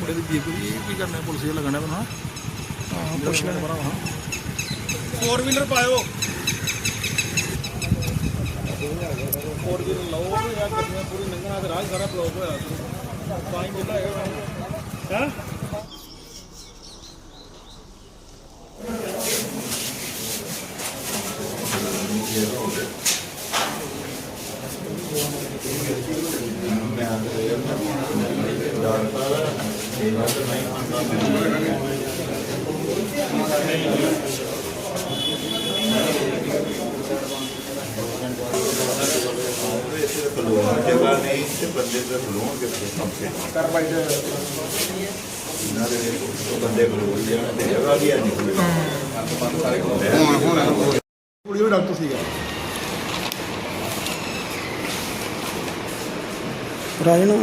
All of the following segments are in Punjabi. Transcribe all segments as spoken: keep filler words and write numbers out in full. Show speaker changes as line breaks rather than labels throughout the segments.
मुंडे की जीप की करना पुलिस लगना है हाँ पुछ लेना बड़ा हाँ फोर व्हीलर पाओ फोर व्हीलर लो यार गड्डियां पूरी लंघना ते राह सारा ब्लॉक होया पानी मिलदा है हैं
जगह नहीं बंदे बंदे जगह भी
डॉक्टर सीगा राजना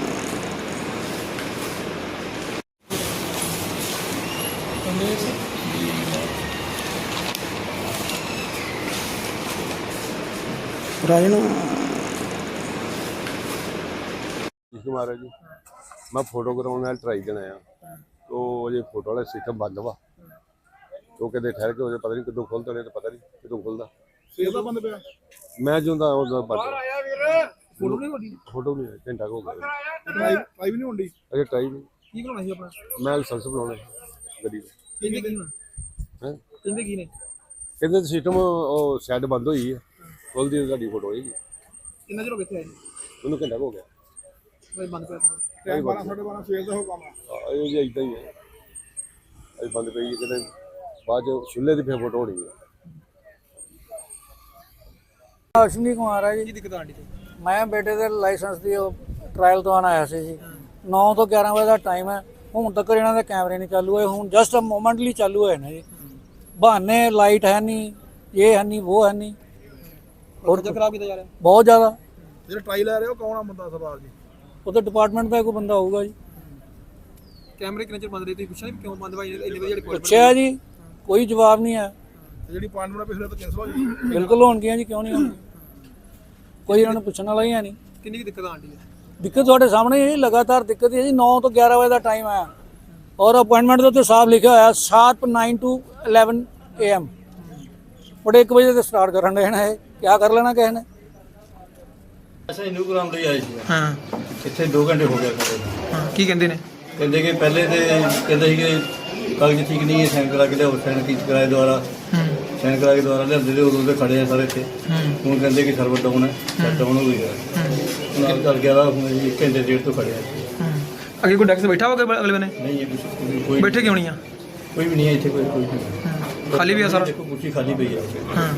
राजना
कुमार है जी मैं फोटो कराने ट्राई देना आया तो अजे फोटो वाला सिस्टम बंद वा तो कहते ठहर के पता नहीं कदों खुलता नहीं तो पता नहीं कदों खुलता
बंद पे
मैं जो बंद
फोटो नहीं होती
फोटो नहीं घंटा हो गया
ट्राई ट्राई भी नहीं होती
अजे ट्राई नहीं
की बनाना ਸੀ ਆਪਣਾ
मैं लाइसेंस बनाने गड्डी ਦਾ
ਕਹਿੰਦੇ ਕੀ
है
ਕਹਿੰਦੇ ਕੀ ਨੇ
कहते सिस्टम सैड बंद हुई है खुलती गाड़ी फोटो होगी
ਕਿੰਨਾ ਚਿਰ ਹੋ ਗਿਆ ਇੱਥੇ ਆਏ
उन्होंने घंटा हो गया
ਕੋਈ ਬੰਦ ਪਿਆ ਟਾਈਮ ਬਾਰਾਂ ਸਾਢੇ ਬਾਰਾਂ ਸਵੇਰ ਦਾ ਹੋ ਕੰਮ ਆ
ਇਹ ਜੀ ਇਦਾਂ ਹੀ ਹੈ ਅਜੇ ਬੰਦ ਪਈ ਹੈ ਕਿਤੇ ਬਾਅਦ ਚ ਛੁੱਲੇ ਦੀ ਫਿਰ ਫੋਟੋ ਹੋਣੀ ਹੈ
ਅਸ਼ਵਨੀ ਕੁਮਾਰ ਹੈ
ਕੀ
ਜੀ
ਦਿੱਕਤ ਆਂਦੀ ਤੇ
ਮੈਂ ਬੇਟੇ ਦੇ ਲਾਇਸੈਂਸ ਦੀ ਟ੍ਰਾਇਲ ਤੋਂ ਆਇਆ ਸੀ ਜੀ ਨੌ ਤੋਂ ਗਿਆਰਾਂ ਵਜੇ ਦਾ ਟਾਈਮ ਹੈ ਹੁਣ ਤੱਕ ਇਹਨਾਂ ਦੇ ਕੈਮਰੇ ਨਹੀਂ ਚਾਲੂ ਹੋਏ ਹੁਣ ਜਸਟ ਮੋਮੈਂਟਲੀ ਚਾਲੂ ਹੋਏ ਨੇ ਜੀ ਬਹਾਨੇ ਲਾਈਟ ਹੈ ਨਹੀਂ ਇਹ ਹੈ ਨਹੀਂ ਉਹ ਹੈ ਨਹੀਂ
ਹੋਰ ਤਾਂ ਖਰਾਬ ਕੀਤਾ ਜਾ ਰਿਹਾ
ਬਹੁਤ ਜ਼ਿਆਦਾ
ਜਿਹੜਾ ਟਰਾਈ ਲੈ ਰਹੇ ਹੋ ਕੌਣ ਆ ਬੰਦਾ ਸਰਦਾਰ ਜੀ
ਉਹਦੇ ਡਿਪਾਰਟਮੈਂਟ ਦਾ ਕੋਈ ਬੰਦਾ ਹੋਊਗਾ ਜੀ
ਕੈਮਰੇ ਕਿੰਨੇ ਚਿਰ ਬੰਦ ਰਹੇ ਤੁਸੀਂ ਪੁੱਛਿਆ ਨਹੀਂ ਕਿਉਂ ਬੰਦ ਭਾਈ ਇੰਨੇ ਵਜੇ ਜਿਹੜੇ
ਪੁੱਛਿਆ ਜੀ ਕੋਈ ਜਵਾਬ ਨਹੀਂ ਹੈ
ਜਿਹੜੀ ਅਪਾਇੰਟਮੈਂਟ ਪਿਛਲੇ ਤੋਂ ਕੈਂਸਲ ਹੋ ਗਈ
ਬਿਲਕੁਲ ਹੋਣਗੀਆਂ ਜੀ ਕਿਉਂ ਨਹੀਂ ਹੋਣਗੀਆਂ ਕੋਈ ਇਹਨਾਂ ਨੂੰ ਪੁੱਛਣ ਵਾਲਾ ਹੀ ਹੈ ਨਹੀਂ
ਕਿੰਨੀ ਦਿੱਕਤ ਆਂਦੀ ਹੈ
ਦਿੱਕਤ ਤੁਹਾਡੇ ਸਾਹਮਣੇ ਹੈ ਜੀ ਲਗਾਤਾਰ ਦਿੱਕਤ ਹੈ ਜੀ ਨੌ ਤੋਂ ਗਿਆਰਾਂ ਵਜੇ ਦਾ ਟਾਈਮ ਆਇਆ ਔਰ ਅਪਾਇੰਟਮੈਂਟ ਦੇ ਉੱਤੇ ਸਾਫ਼ ਲਿਖਿਆ ਹੋਇਆ sharp nine to eleven A M ਬੜੇ ਇੱਕ ਵਜੇ ਤੇ ਸਟਾਰਟ ਕਰਨ ਦੇ ਨੇ ਕੀ ਕਰ ਲੈਣਾ ਕਿਸੇ ਨੇ
ਅੱਛਾ ਇਹਨੂੰ ਕਰਾਉਣ ਲਈ ਆਏ ਸੀ
ਹਾਂ
ਇੱਥੇ ਦੋ ਘੰਟੇ ਹੋ ਗਏ ਖੜੇ
ਹਾਂ ਕੀ ਕਹਿੰਦੇ ਨੇ
ਕਹਿੰਦੇ ਕਿ ਪਹਿਲੇ ਤੇ ਕਹਿੰਦੇ ਸੀ ਕਿ ਕਾਗਜ਼ ਠੀਕ ਨਹੀਂ ਹੈ ਸਾਈਨ ਕਰਾ ਕੇ ਲਿਆਓ ਸਾਈਨ ਕੀ ਕਰਾਏ ਦੁਆਰਾ ਸਾਈਨ ਕਰਾ ਕੇ ਦੁਆਰਾ ਲਿਆਉਂਦੇ ਤੇ ਉਦੋਂ ਤੇ ਖੜੇ ਆ ਸਾਰੇ ਇੱਥੇ ਹੁਣ ਕਹਿੰਦੇ ਕਿ ਸਰਵਰ ਡਾਊਨ ਹੈ ਡਾਊਨ ਹੋ ਗਿਆ ਨਾਲ ਚੱਲ ਗਿਆ ਹੁਣ ਅਸੀਂ ਇੱਕ ਘੰਟੇ ਡੇਢ ਤੋਂ ਖੜੇ ਆ
ਅੱਗੇ ਕੋਈ ਡੈਕਸ ਬੈਠਾ ਹੋਗਾ ਅਗਲੇ ਨੇ
ਨਹੀਂ ਇਹ ਕੋਈ
ਬੈਠੇ ਕਿਉਂ ਨਹੀਂ ਆ
ਕੋਈ ਵੀ ਨਹੀਂ ਹੈ ਇੱਥੇ ਕੋਈ ਕੋਈ ਨਹੀਂ
ਖਾਲੀ ਵੀ ਆ ਸਾਰਾ
ਦੇਖੋ ਕੁਰਸੀ ਖਾਲੀ ਪਈ ਹੈ
ਹਾਂ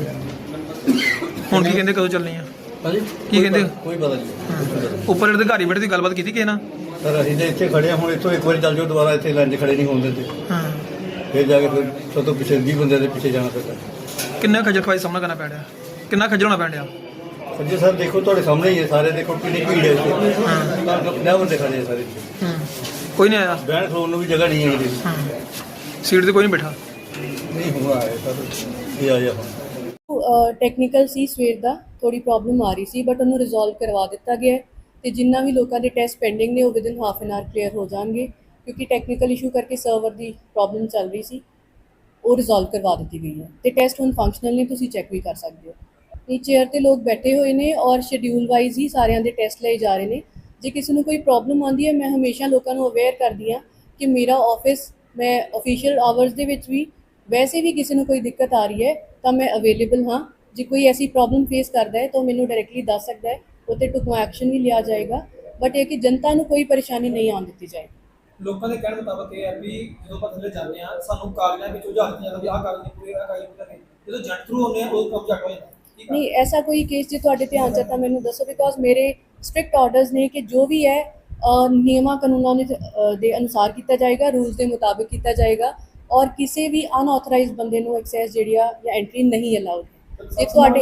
ਹੁਣ ਕੀ ਕਹਿੰਦੇ ਕਦੋਂ ਚੱਲਣੀ ਆ
ਹਾਂਜੀ
ਕੀ ਕਹਿੰਦੇ
ਕੋਈ ਪਤਾ ਨਹੀਂ
ਉੱਪਰ ਜਿਹੜੇ ਅਧਿਕਾਰੀ ਬੈਠੇ ਦੀ ਗੱਲਬਾਤ ਕੀਤੀ ਕਿਸੇ ਨਾਲ
ਸਰ ਅਸੀਂ ਤਾਂ ਇੱਥੇ ਖੜੇ ਹਾਂ ਹੁਣ ਇੱਥੋਂ ਇੱਕ ਵਾਰੀ ਚੱਲ ਜਾਓ ਦੁਬਾਰਾ ਇੱਥੇ ਲਾਈਨ 'ਚ ਖੜੇ ਨਹੀਂ ਹੋਣ ਦਿੰਦੇ
ਹਾਂ
ਫਿਰ ਜਾ ਕੇ ਫਿਰ ਸਭ ਤੋਂ ਪਿੱਛੇ ਵੀਹ ਬੰਦੇ ਦੇ ਪਿੱਛੇ ਜਾਣਾ ਪੈਂਦਾ
ਕਿੰਨਾ ਖੱਜਲ ਖਵਾਈ ਸਾਹਮਣਾ ਕਰਨਾ ਪੈ ਰਿਹਾ ਕਿੰਨਾ ਖੱਜਲ ਹੋਣਾ ਪੈ ਰਿਹਾ
ਸੱਜੇ ਸਰ ਦੇਖੋ ਤੁਹਾਡੇ ਸਾਹਮਣੇ ਹੀ ਹੈ ਸਾਰੇ ਦੇਖੋ ਕਿੰਨੀ ਭੀੜ ਹੈ ਇੱਥੇ ਪੰਜਾਹ ਬੰਦੇ ਖੜੇ ਆ ਸਾਰੇ
ਹੂੰ ਕੋਈ ਨਹੀਂ ਆਇਆ
ਬਹਿਣ ਖਲੋਣ ਨੂੰ ਵੀ ਜਗ੍ਹਾ ਨਹੀਂ ਹੈ ਇਹਦੀ
ਹਾਂ ਸੀਟ ਤੇ ਕੋਈ ਨਹੀਂ ਬੈਠਾ
ਨਹੀਂ ਹੁਆ ਹੈ ਸਰ ਇਹ ਆਇਆ ਹੁਣ
ਟੈਕਨੀਕਲ ਸੀ ਸਵੇਰ ਦਾ ਥੋੜੀ ਪ੍ਰੋਬਲਮ ਆ ਰਹੀ ਸੀ ਬਟ ਉਹਨੂੰ ਰਿਜ਼ੋਲਵ ਕਰਵਾ ਦਿੱਤਾ ਗਿਆ ਤੇ ਜਿੰਨਾ ਵੀ ਲੋਕਾਂ ਦੇ ਟੈਸਟ ਪੈਂਡਿੰਗ ਨੇ ਉਹ within half an hour clear ਹੋ ਜਾਣਗੇ ਕਿਉਂਕਿ ਟੈਕਨੀਕਲ ਇਸ਼ੂ ਕਰਕੇ ਸਰਵਰ ਦੀ ਪ੍ਰੋਬਲਮ ਚੱਲ ਰਹੀ ਸੀ ਉਹ ਰਿਜ਼ੋਲਵ ਕਰਵਾ ਦਿੱਤੀ ਗਈ ਹੈ ਤੇ ਟੈਸਟ ਹੁਣ ਫੰਕਸ਼ਨਲ ਨੇ ਤੁਸੀਂ ਚੈੱਕ ਵੀ ਕਰ ਸਕਦੇ ਹੋ ਇਹ ਚੇਅਰ ਤੇ ਲੋਕ ਬੈਠੇ ਹੋਏ ਨੇ ਔਰ ਸ਼ਡਿਊਲ ਵਾਈਜ਼ ਹੀ ਸਾਰਿਆਂ ਦੇ ਟੈਸਟ ਲਏ ਜਾ ਰਹੇ ਨੇ ਜੇ ਕਿਸੇ ਨੂੰ ਕੋਈ ਪ੍ਰੋਬਲਮ ਆਉਂਦੀ ਹੈ ਮੈਂ ਹਮੇਸ਼ਾ ਲੋਕਾਂ ਨੂੰ ਅਵੇਅਰ ਕਰਦੀ ਹਾਂ ਕਿ ਮੇਰਾ ਆਫਿਸ ਮੈਂ ਅਫੀਸ਼ੀਅਲ ਆਵਰਸ ਦੇ ਵਿੱਚ ਵੀ ਵੈਸੇ ਵੀ ਕਿਸੇ ਨੂੰ ਕੋਈ ਦਿੱਕਤ ਆ ਰਹੀ ਹੈ ਤਾਂ ਮੈਂ ਅਵੇਲੇਬਲ ਹਾਂ ਜੇ ਕੋਈ ਐਸੀ ਪ੍ਰੋਬਲਮ ਫੇਸ ਕਰਦਾ ਹੈ ਤਾਂ ਮੈਨੂੰ ਡਾਇਰੈਕਟਲੀ ਦੱਸ ਸਕਦਾ ਹੈ ਉੱਤੇ ਟੁਕਮਾ ਐਕਸ਼ਨ ਵੀ ਲਿਆ ਜਾਏਗਾ ਬਟ ਇਹ ਕਿ ਜਨਤਾ ਨੂੰ ਕੋਈ ਪਰੇਸ਼ਾਨੀ ਨਹੀਂ ਆਉਣ ਦਿੱਤੀ ਜਾਏ
ਲੋਕਾਂ ਦੇ ਕਹਿਣ ਮੁਤਾਬਕ ਇਹ ਹੈ ਵੀ ਜਦੋਂ ਆਪਾਂ ਥੱਲੇ ਜਾਂਦੇ ਆ ਸਾਨੂੰ ਕਾਗਜ਼ਾਂ ਵਿੱਚ ਉਲਝਾ ਦਿੱਤਾ ਜਾਂਦਾ ਵੀ ਆਹ ਕਾਗਜ਼ ਨਹੀਂ ਪੂਰੇ ਆਹ ਕਾਗਜ਼ ਪੂਰੇ ਜਦੋਂ ਜੱਟ ਥਰੂ ਹੁੰਦੇ ਆ ਉਹ ਕੰਮ ਜੱਟ ਹੋ ਜਾਂਦਾ
ਨਹੀਂ ਐਸਾ ਕੋਈ ਕੇਸ ਜੇ ਤੁਹਾਡੇ ਧਿਆਨ 'ਚ ਤਾਂ ਮੈਨੂੰ ਦੱਸੋ ਬਿਕੋਜ਼ ਮੇਰੇ ਸਟ੍ਰਿਕਟ ਆਰਡਰਸ ਨੇ ਕਿ ਜੋ ਵੀ ਹੈ ਨਿਯਮਾਂ ਕਾਨੂੰਨਾਂ ਦੇ ਅਨੁਸਾਰ ਕੀਤਾ ਜਾਏਗਾ ਰੂਲਸ ਦੇ ਮੁਤਾਬਿਕ ਕੀਤਾ ਜਾਏਗਾ ਔਰ ਕਿਸੇ ਵੀ ਅਨਆਥੋਰਾਈਜ਼ਡ ਬੰਦੇ ਨੂੰ ਐਕਸੈਸ ਜਿਹੜੀ ਆ ਜਾਂ ਐਂਟਰੀ ਨਹੀਂ ਅਲਾਉਡ ਜੇ ਤੁਹਾਡੇ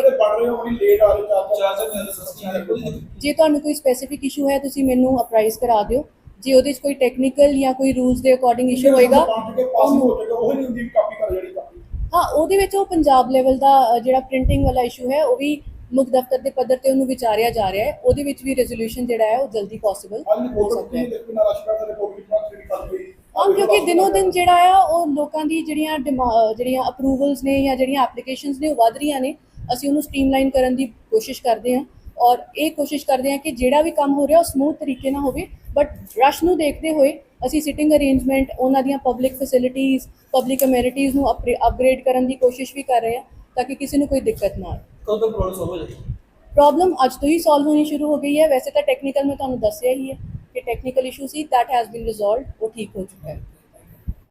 ਜੇ ਤੁਹਾਨੂੰ ਕੋਈ ਸਪੈਸੀਫਿਕ ਇਸ਼ੂ ਹੈ ਤੁਸੀਂ ਮੈਨੂੰ ਅਪਰਾਈਜ਼ ਕਰਾ ਦਿਓ ਜੇ ਉਹਦੇ 'ਚ ਕੋਈ ਟੈਕਨੀਕਲ ਜਾਂ ਕੋਈ ਰੂਲਸ ਦੇ ਅਕੋਰਡਿੰਗ ਇਸ਼ੂ ਹੋਏਗਾ ਹਾਂ ਉਹਦੇ ਵਿੱਚ ਉਹ ਪੰਜਾਬ ਲੈਵਲ ਦਾ ਜਿਹੜਾ ਪ੍ਰਿੰਟਿੰਗ ਵਾਲਾ ਇਸ਼ੂ ਹੈ ਉਹ ਵੀ ਮੁੱਖ ਦਫ਼ਤਰ ਦੇ ਪੱਧਰ ਤੇ ਉਹਨੂੰ ਵਿਚਾਰਿਆ ਜਾ ਰਿਹਾ ਹੈ। ਉਹਦੇ ਵਿੱਚ ਵੀ ਰੈਜ਼ੋਲੂਸ਼ਨ ਜਿਹੜਾ ਹੈ ਉਹ ਜਲਦੀ ਪੋਸੀਬਲ ਹੋ ਸਕਦਾ ਹੈ। ਹਾਂ, ਕਿਉਂਕਿ ਦਿਨੋਂ ਦਿਨ ਜਿਹੜਾ ਆ ਉਹ ਲੋਕਾਂ ਦੀ ਜਿਹੜੀਆਂ ਡਿਮਾ- ਜਿਹੜੀਆਂ ਅਪਰੂਵਲਸ ਨੇ ਜਾਂ ਜਿਹੜੀਆਂ ਐਪਲੀਕੇਸ਼ਨਸ ਨੇ ਉਹ ਵੱਧ ਰਹੀਆਂ ਨੇ। ਅਸੀਂ ਉਹਨੂੰ ਸਟ੍ਰੀਮਲਾਈਨ ਕਰਨ ਦੀ ਕੋਸ਼ਿਸ਼ ਕਰਦੇ ਹਾਂ ਔਰ ਇਹ ਕੋਸ਼ਿਸ਼ ਕਰਦੇ ਹਾਂ ਕਿ ਜਿਹੜਾ ਵੀ ਕੰਮ ਹੋ ਰਿਹਾ ਉਹ ਸਮੂਥ ਤਰੀਕੇ ਨਾਲ ਹੋਵੇ। ਬਟ ਰਸ਼ ਨੂੰ ਦੇਖਦੇ ਹੋਏ ਅਸੀਂ ਸਿਟਿੰਗ ਅਰੇਂਜਮੈਂਟ, ਉਹਨਾਂ ਦੀਆਂ ਪਬਲਿਕ ਫੈਸਿਲਿਟੀਜ਼, ਪਬਲਿਕ ਅਮੈਨਿਟੀਜ਼ ਨੂੰ ਅਪਗ੍ਰੇਡ ਕਰਨ ਦੀ ਕੋਸ਼ਿਸ਼ ਵੀ ਕਰ ਰਹੇ ਹਾਂ ਤਾਂ ਕਿ ਕਿਸੇ ਨੂੰ ਕੋਈ ਦਿੱਕਤ ਨਾ ਆਏ।
ਕਦੋਂ ਤੱਕ ਪ੍ਰੋਬਲਮ ਸੋਲਵ ਹੋ ਜਾਏਗੀ?
ਪ੍ਰੋਬਲਮ ਅੱਜ ਤੋਂ ਹੀ ਸੋਲਵ ਹੋਣੀ ਸ਼ੁਰੂ ਹੋ ਗਈ ਹੈ। ਵੈਸੇ ਤਾਂ ਟੈਕਨੀਕਲ ਮੈਂ ਤੁਹਾਨੂੰ ਦੱਸਿਆ ਹੀ ਹੈ ਕਿ ਟੈਕਨੀਕਲ ਇਸ਼ੂ ਸੀ, ਦੈਟ ਹੈਜ਼ ਬੀਨ ਰਿਜ਼ੋਲਵਡ, ਉਹ ਠੀਕ ਹੋ ਚੁੱਕਾ ਹੈ।